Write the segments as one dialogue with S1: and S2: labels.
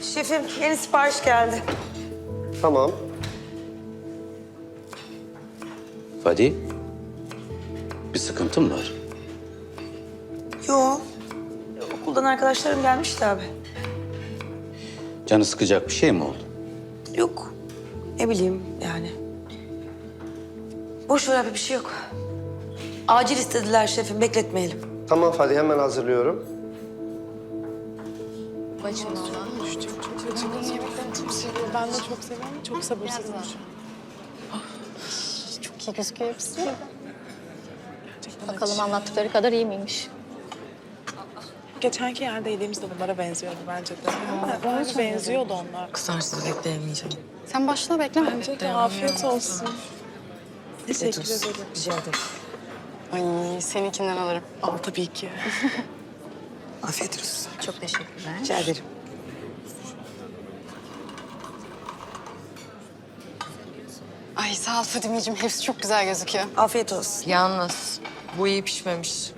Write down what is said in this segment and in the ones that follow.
S1: Şefim, yeni sipariş geldi.
S2: Tamam.
S3: Fadi, bir sıkıntın mı var?
S1: Yo, okuldan arkadaşlarım gelmişti abi.
S3: Canı sıkacak bir şey mi oldu?
S1: Yok, ne bileyim yani. Boş ver abi, bir şey yok. Acil istediler şefim, bekletmeyelim.
S2: Tamam Fadi, hemen hazırlıyorum.
S4: Ben de çok seviyorum. Çok sabırsızım şu an.
S5: Çok iyi gözüküyor hepsi. Bakalım anlattıkları kadar iyi miymiş?
S4: Geçenki yerde yediğimiz de bunlara benziyordu bence de. Bence benziyordu onlar.
S6: Kızarsız bekleyemeyeceğim.
S5: Sen başla bekleme.
S4: Bence de afiyet olsun. Teşekkür ederim.
S6: Rica ederim.
S5: Ay seninkinden alırım.
S4: Al tabii ki.
S1: Afiyet olsun.
S5: Çok teşekkürler.
S1: Rica ederim.
S5: Ay sağ ol Fadimeciğim. Hepsi çok güzel gözüküyor.
S1: Afiyet olsun.
S6: Yalnız bu iyi pişmemiş.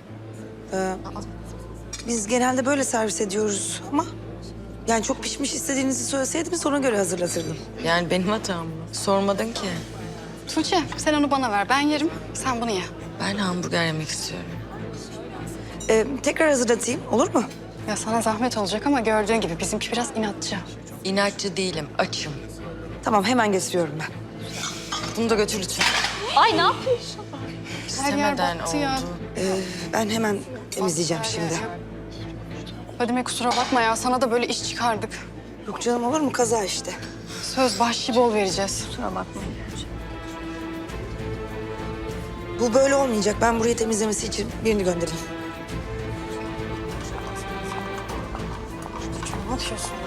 S1: Biz genelde böyle servis ediyoruz ama... Yani çok pişmiş istediğinizi söyleseydiniz ona göre hazırlatırdım.
S6: Yani benim hatam mı? Sormadın ki.
S5: Tuğçe sen onu bana ver. Ben yerim. Sen bunu ye.
S6: Ben hamburger yemek istiyorum.
S1: Tekrar hazırlatayım, olur mu?
S5: Ya sana zahmet olacak ama gördüğün gibi bizimki biraz inatçı.
S6: İnatçı değilim, açım.
S1: Tamam, hemen getiriyorum ben.
S6: Bunu da götür lütfen.
S5: Ay ne yapıyorsun? Her yer
S6: İstemeden
S5: battı ya.
S6: oldu.
S1: Ben hemen temizleyeceğim şimdi.
S5: Fadime kusura bakma ya. Sana da böyle iş çıkardık.
S1: Yok canım, olur mu? Kaza işte.
S5: Söz bahşişi bol vereceğiz.
S1: Bu böyle olmayacak. Ben burayı temizlemesi için birini göndereyim.
S5: Ne yapıyorsun?